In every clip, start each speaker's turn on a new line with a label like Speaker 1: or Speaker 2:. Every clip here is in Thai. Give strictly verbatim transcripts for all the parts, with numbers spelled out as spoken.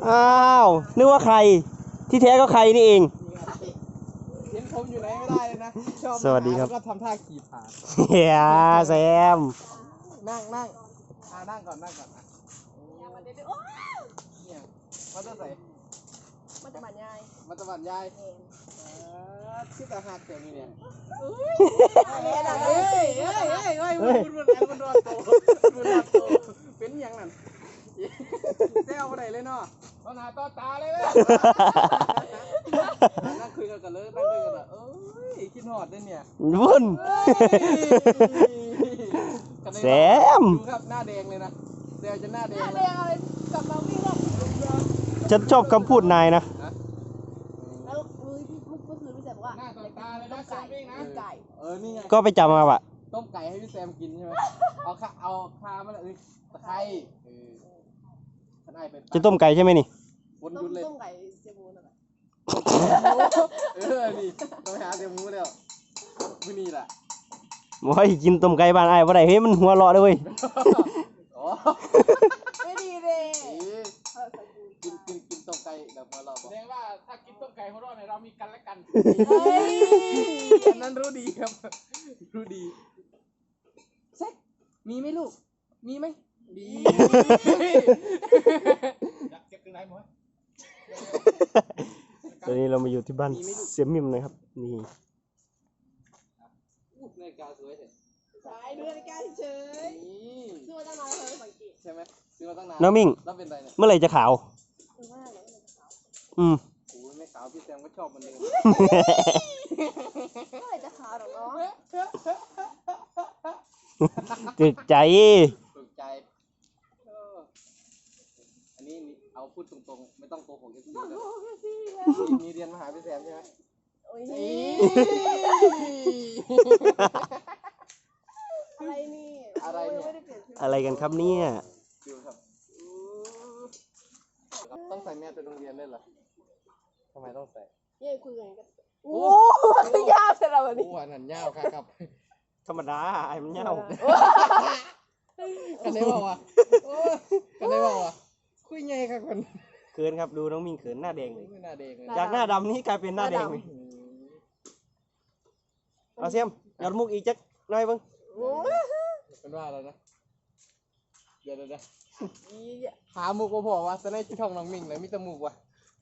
Speaker 1: อ้าวนึกว่าใครที่แท้ก็ใครนี่เอง
Speaker 2: เห็นผมอยู่ไหนไม่ได้เลยนะชอบ
Speaker 1: สวัสดีครับ
Speaker 2: แล้วก็ทำท่าขี่ผ่าน
Speaker 1: เฮียแซม
Speaker 2: นั่งนั่งอ่านั่งก่อนนั่งก่อนอ่ะเนี่ยมาจะใส่มาจะบรรยายมาจะบรรยายชื่อตาหักเสียงนี่เนี่ยเฮ้ยเฮ้ยเฮ้ยเฮ้ยเฮ้ยบุญบุญบุญบุญรอดโตบุญรอดโตเป็นยังนั่นแซวอะไรเลยเนาะตอนหน้าตอนตาเลยเลยนั่งคุยกันกันเลยนั่งคุยกันอ่ะเอ้ยคิดหอดได้เนี่ย
Speaker 1: บุญแซม
Speaker 2: ดูครับหน้าแดงเลยนะแซวจะหน้าแดงหน้าแดงอะไรกลับมาวิ่งรอบ
Speaker 1: ฉันชอบคำพูดนายนะ
Speaker 3: แล้วมือพี่เมื่อคืนพี่แซมบอกว่า
Speaker 2: หน้าตอนตาเลยนะไก่ไก่เออนี่ไง
Speaker 1: ก็ไปจำมาปะ
Speaker 2: ต้มไก่ให้พี่แซมกินใช่ไหมเอาข้าเอาคามาเลยตะไคร้
Speaker 1: จะต้มไก่ใช่ไหมนี่
Speaker 2: วนยุดเลย
Speaker 3: ต้มไก่เสียมูนะคะ
Speaker 2: เออนี่ต้องไปหาเสียมูแล้วมื้อนี้แหละ
Speaker 1: โอ้ยกินต้มไก่บ้านไอ้บ่ได้เฮ้ยมันหัวเราะเลยเว้ย
Speaker 3: ไม่ดีเลย
Speaker 2: กินกินกินต้มไก่แบบหัวเราะแสดงว่าถ้ากินต้มไก่หัวเราะเนี่ยเรามีกันและกันอันนั้นรู้ดีครับรู้ดีเซ็กมีไหมลูกมีไหมดีเก็บถึงไหนหมด
Speaker 1: ตอนนี้เรามาอยู่ที่บ้านเสียมิมนะครับนี่
Speaker 2: นาฬิกาสวยเถอะ
Speaker 3: ใช่ดูนาฬิกาเฉยซื้อมาตั้งนานแล้วสังเกต
Speaker 2: ใช่ไหมซื้อมาตั้งนาน
Speaker 1: น้องมิ่ง
Speaker 2: แล้วเป็นไรเนี่ย
Speaker 1: เมื่อไหร่จะขาวอืม
Speaker 2: โอ้ยไม่ขาวพี่แซมก็ชอบมันเลย
Speaker 3: เมื่อไหร่จะขาวหรอเนาะ
Speaker 1: ติดใจ
Speaker 2: ติดใจอันนี้เอาพูดตรงๆไม่ต้องโกหกกันสิมีเรียนมหาพี่แซมใช่ไหม
Speaker 3: อะไรนี่
Speaker 2: อะไรเนี่ย
Speaker 1: อะไรกันครับเนี่ย
Speaker 2: ดูครับต้องใส่แมสไปโรงเรียนได้เหรอทำไมต้องใส่
Speaker 3: เย้คุยกันโอ้ยาวเสร็จแล้ววันนี้
Speaker 2: โอ้หันหันยาวครับครับ
Speaker 1: ธรรมดาไอ้มันยาว
Speaker 2: กันได้บอกว่ากันได้บอกว่าคุยไงครับคน
Speaker 1: เขินครับดูน้องมิ่งเขินหน้าแดงเลย
Speaker 2: หน้าแดงเลย
Speaker 1: จากหน้าดำนี่กลายเป็นหน้าแดงเลยเอาเสียมยอดมุกอีกจักหน่อยเบิ้ง
Speaker 2: เป็นว่าอะไรนะเดี๋ยวเดี๋ยวหามุกก็พอว่าจะได้ช่องน้องมิ่งเลยมิตรมุกว่ะ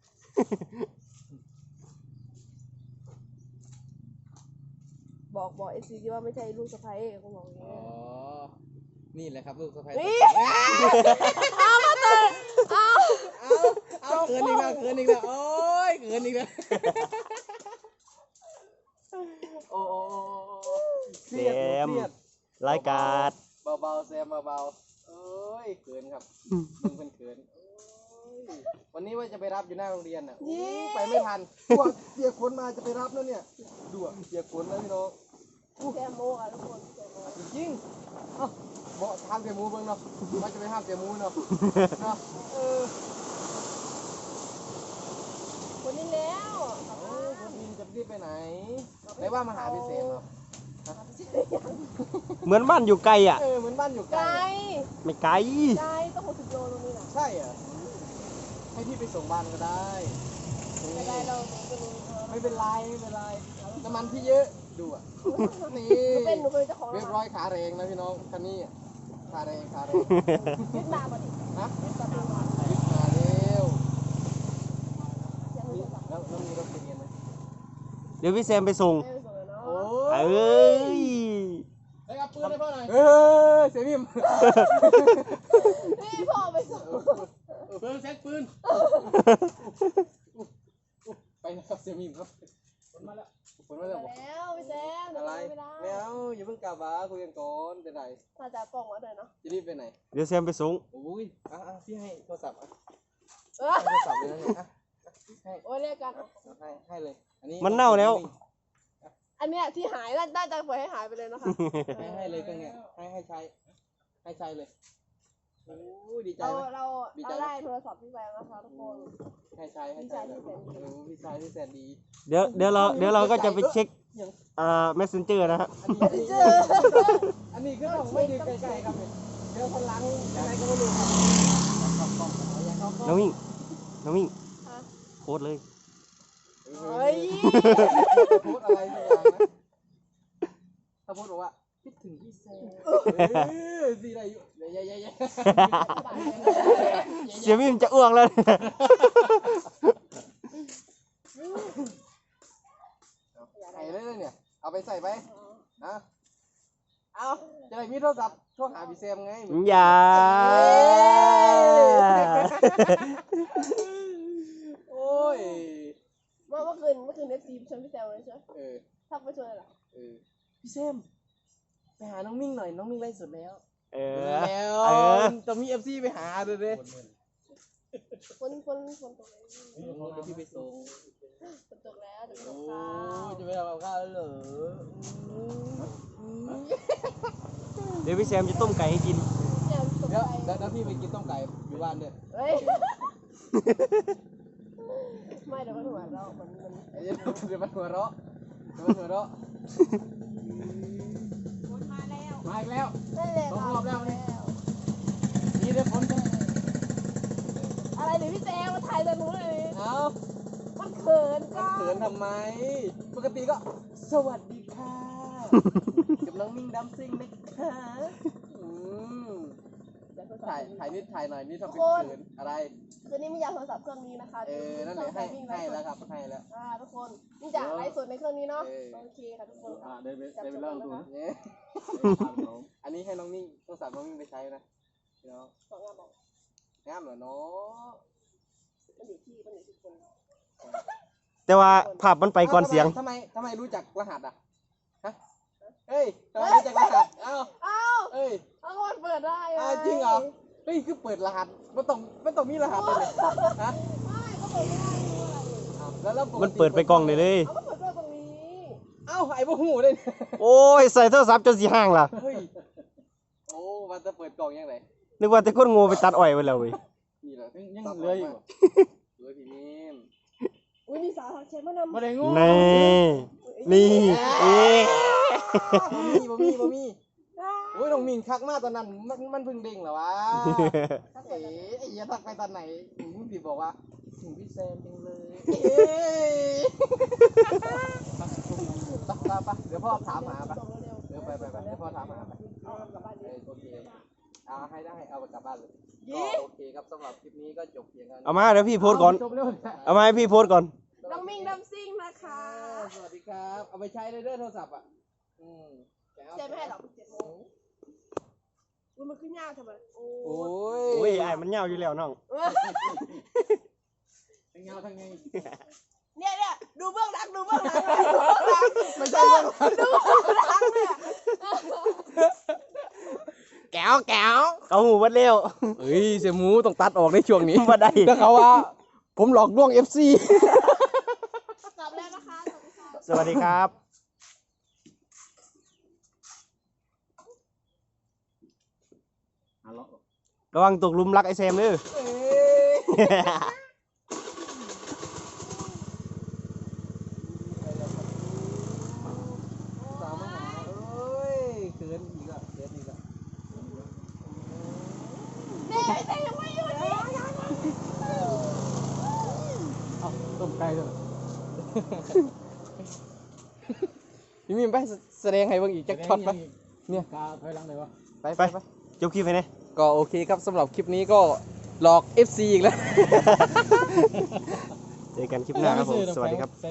Speaker 3: บอกบอกเอซีว่าไม่ใช่ลูกสะใภ้เขาบอกอย่างนี้
Speaker 2: อ๋อนี่แหละครับลูกสะใภ้
Speaker 3: เอามาเตะเอา
Speaker 2: เอาเอาเกินอีกแล้วเกินอีกแล้วโอ้ยเกินอีกแล้วโอ้
Speaker 1: แซมรายการ
Speaker 2: เบาๆแซมเบาๆเอ้ยเขินครับมึงเป็นเขินวันนี้ว่าจะไปรับอยู่หน้าโรงเรียนอ่ะไปไม่ทันพวกเสียขนมาจะไปรับแล้วเนี่ยดูอ่ะเสียขนนะพี่น้อง
Speaker 3: แซมโมอ่ะทุกคน
Speaker 2: จริงเอ้าบอกห้ามเสียมูเบิ่งเนาะว่าจะไปห้ามเสียมูเนาะเนาะเออ
Speaker 3: คนนี้แล้ว
Speaker 2: คนนี้จะรีบไปไหนไหนว่ามาหาพี่เสมเหรอ
Speaker 1: เหมือนบ้านอยู่ไกลอ่ะ
Speaker 2: เออเหมือนบ้านอยู่ไกล
Speaker 1: ไม่ไกล
Speaker 3: ไกลต้องหกสิบโลตรงนี้นะ
Speaker 2: ใช่เหรอให้พี่ไปส่งบ้านก็ได้
Speaker 3: ไม่ได้เรา
Speaker 2: ไม่เป็นไรไม่เป็นไรน้ำมันพี่เยอะดูอ่ะนี่
Speaker 3: เป็นหนูเป็นเจ้าของ
Speaker 2: เรียบร้อยขาแรงนะพี่น้องคันนี้ขาแรงขาแรง
Speaker 3: ยึดมาบ่ดิ
Speaker 2: ฮะยึดมาเร็วแล้วแล้วมีรถไปเรียนไหม
Speaker 1: เดี๋ยวพี่แซมไปส่ง
Speaker 2: โอ้
Speaker 1: เอ้ย
Speaker 2: ได้กับปืนได้พ่อหน่อยเฮ้ยเสียมิม
Speaker 3: นี่พ่อไปส่ง
Speaker 2: ปืนเซ็ตปืนไปนะครับเสียมิมครับฝนมาแล้วฝนมาแล้ว
Speaker 3: แล้วพี่แซม
Speaker 2: อะไรไม่เอาอย่าเพิ่งกลับมาคุยกันก่อนเป็นไร
Speaker 3: ถ้าจะป้องมาเลยเนาะ
Speaker 2: จะรีบไปไหน
Speaker 1: เดี๋ยวแซมไปส่ง
Speaker 2: โอ้ยอ่ะพี่ให้โทรศัพท์อ่ะโทรศัพท์เลยนะเนี่ยให้
Speaker 3: โอ้ยเรียกกัน
Speaker 2: ให้ให้เลยอันนี้
Speaker 1: มันเน่าแล้ว
Speaker 3: อันเนี้ยที่หายน่าจะปล่อยให้หายไปเลยนะคะ
Speaker 2: ให้ให้เลยตรงเนี้ยให้ให้ใช้ให้ใช้เลยโอ้ยดีใจ
Speaker 3: เราเราเราได้โทรศัพท์พี่แซมนะคะทุกคน
Speaker 2: ให้ใช้ให้ใช้พี่ชายที่แสนดี
Speaker 1: เดี๋ยวเดี๋ยวเราเดี๋ยวเราก็จะไปเช็คอ่า messenger นะฮะ
Speaker 2: อันนี้ก็ต้องไม่ยืนไกลๆครับเดี๋ยวคนล้างอะไรก็ไม่รู้ครับ
Speaker 1: น้องมิ่งน้องมิ่ง
Speaker 3: ฮะ
Speaker 1: โพสต์เลย
Speaker 3: เฮ้ย
Speaker 2: พูดอะไรสักอย่างนะถ้าพูดบอกว่าคิดถึงพี่แซมเออสีอะไรอยู่เย้เย้เย้เย้
Speaker 1: เสียมิ่งจะอ้วกแล้ว
Speaker 2: ใส่เลยเนี่ยเอาไปใส่ไปนะเอาจะได้มีโทรศัพท์โทรหาพี่แซมไง
Speaker 1: อย่า
Speaker 2: โอ้ย
Speaker 3: เมื่อเมื่อคืนเมื่อคืนเอฟซีชวนพี่แซวเลยใช่ไหม
Speaker 2: เออ
Speaker 3: ทักไปชวนอะไรล่ะ
Speaker 2: เออพี่แซมไปหาน้องมิ่งหน่อยน้องมิ่งไล่สดแล้ว
Speaker 1: เออ
Speaker 2: แล้ว
Speaker 1: เออ
Speaker 2: จะมีเอฟซีไปหาเลยเลย
Speaker 3: คนคนคนตกเลย
Speaker 2: พี่ไปส่ง
Speaker 3: ฝนตกแล้วจะไป
Speaker 2: โอ้
Speaker 3: ตกข้าว
Speaker 2: จะไปทำกับข้าวแล้วเหรอ
Speaker 1: เดี๋ยวพี่แซมจะต้มไก่ให้กิน
Speaker 3: แซวตก
Speaker 2: เดี๋ยว
Speaker 3: ใจ
Speaker 2: เดี๋ยวพี่ไปกินต้มไก่อยู่บ้านด้วย
Speaker 3: เฮ้ยไม่เดี๋ยวมันหัวเราะมันมัน
Speaker 2: ไอ้เดี๋ยวมันหัวเราะเดี๋ยวมันหัวเราะ
Speaker 3: มาแล้ว
Speaker 2: มาอีกแล้ว
Speaker 3: นั่นแหละ
Speaker 2: สองรอบแล้วนี่
Speaker 3: แล้ว
Speaker 2: นี่เดี๋ยวฝนจะ
Speaker 3: อะไรเดี๋ยวพี่แซวมาถ่ายแต่หนูเลย
Speaker 2: เอา
Speaker 3: มันเขิน
Speaker 2: มันเขินทำไม ปกติก็ สวัสดีค่ะกับน้องมิ่งดัมซิงนะคะอืม
Speaker 3: เดี๋ยวโทรศั
Speaker 2: ถ่าย
Speaker 3: พท์
Speaker 2: ถ่ายนิดถ่ายหน่อยนี่ทำเป็นเขินอะไร
Speaker 3: คืนนี้มียาโทรศัพท์เครื่องนี้นะคะ
Speaker 2: เออ นั่นแหละให้ให้แล้วครับให้แล้ว
Speaker 3: อ่าทุกคนนี่จะไลฟ์สดในเครื่องนี้เนาะ
Speaker 2: เออ
Speaker 3: โอเคค่ะทุกคน
Speaker 4: อ่าได้ไปได้ไปเล่าดูนะ
Speaker 2: เนี่ยอันนี้ให้น้องมิ่งโทรศัพท์น้องมิ่งไปใช้นะเนาะ
Speaker 3: สองงานบอก
Speaker 2: งามเหรอเนาะ
Speaker 3: มันอยู่ที่มันอยู่ที่คน
Speaker 1: แต่ว่าภาพมันไปก่อนเสียง
Speaker 2: ทำไมทำไมรู้จักรหัสอ่ะฮะเฮ้ยทำไมรู้จักรหัสเอ้า
Speaker 3: อ้าว
Speaker 2: เอ้ย
Speaker 3: เอาก็มันเปิดได้
Speaker 2: อ้าวจริงเหรอ เฮ้ยคือเปิดรหัสมันต้องมันต้องมีรหัสเลยเนี่ยฮะ
Speaker 3: ไม่ก็เปิดไม่ได้ดูอะไร
Speaker 2: อ้าวแล้วแล้วก
Speaker 1: มันเปิดไปกล้องเลยเลย
Speaker 3: เอาก็เปิดกล้องตรงนี้
Speaker 2: เอ้าไอ้บ่หูเลยเนี่ย
Speaker 1: โอ้ยใส่โทรศัพท์จนสีห้างล่ะ
Speaker 2: เฮ้ยโอ้มันจะเปิดกล่องยังไง
Speaker 1: นึกว่าแต่คนโง่ไปตัดอ้อยไว้แล้วเว้ย
Speaker 2: นี่เหรอ
Speaker 4: ยังยังเหลืออยู่บ่
Speaker 2: เหลือพี่นิ่ม
Speaker 3: อุ้ยมีสาวทักแชทมานำ
Speaker 4: บ่ได้งู
Speaker 1: นี่นี่เอ๊ะ
Speaker 2: บ่มีบ่มีบ่มีโอ้ยน้องมินคักมากตอนนั้นมันมันเพิ่งเด้งเหรอวะ เอ๋ไอ้เหี้ยทักไปตอนไหนมึงพี่บอกว่าถึงพี่แซมจังเลยเอ้ยไปไปไปเดี๋ยวพ่อถามหาไป
Speaker 3: ส่งเร็วๆ
Speaker 2: เดี๋ยวไปไปไปเดี๋ยวพ่อถามหาไป
Speaker 3: เอากลับบ้าน
Speaker 2: เอ
Speaker 3: ดิ
Speaker 2: อโอเคเอาให้ได้เอากลับบ้านเลย
Speaker 3: ยี่
Speaker 2: ก็โอเคครับสำหรับคลิปนี้ก็จบเพียงเท่านี้
Speaker 1: เอามาเดี๋ยวพี่โพสต์ก่อน
Speaker 4: จบเร็ว
Speaker 1: เอามาให้พี่โพสต์ก่อน
Speaker 3: น้องมิ่งน้ำซิ่งนะคะ
Speaker 2: สวัสดีครับเอาไปใช้เลยเด้อโทรศัพท์อ่ะอืม
Speaker 3: เจ๊ไม่ให้หรอกเจ็ดโมงอุ้ยมันขึ้นยากทำไมโอ้
Speaker 2: โอ้
Speaker 3: ย
Speaker 2: ย
Speaker 1: โอ้ยไอ้มันยาวอยู่แล้วน้อง
Speaker 4: ทั้งเงาทั้งไง
Speaker 3: เนี่ยเนี่ยดูเบื้องหลังดูเบื้องหลังเลยดูเบื้องหลัง
Speaker 2: ไม่ใช่เรื่อง
Speaker 3: ดูเบื้องหลังเนี่ย
Speaker 2: แก้วแก้ว
Speaker 1: เอาหูวัดเร็ว
Speaker 2: เฮ้ยเสียหมูต้องตัดออกในช่วงนี้
Speaker 1: มาได้
Speaker 2: แล้วเขาว่า ผมหลอกลวง เอฟ ซี
Speaker 3: กลับแล้วนะคะสวัสดีค่ะ
Speaker 1: สวัสดีครับ
Speaker 4: อ่ะเลาะ
Speaker 1: ระวังตกหลุมรักไอ้แซมเด้อ
Speaker 2: สามหาเอ้ยเขินอีกอ่ะเขินอีกอ่ะ
Speaker 3: เนี่ยแต่ยังไม่หยุดเลย
Speaker 4: เอาต้มไก่เถอะ
Speaker 2: พี่มีนไปแสดงให้เบิ่งอีกจักช็อตไป
Speaker 4: เนี่ยกาถอยหลังเลยวะ
Speaker 2: ไป
Speaker 1: ไป
Speaker 2: ไป
Speaker 1: จบคลิปไปเนี่ย
Speaker 2: ก็โอเคครับสำหรับคลิปนี้ก็หลอก เอฟ ซี อีกแล้ว
Speaker 1: เจอกันคลิปหน้าครับผม สวัสดีครับ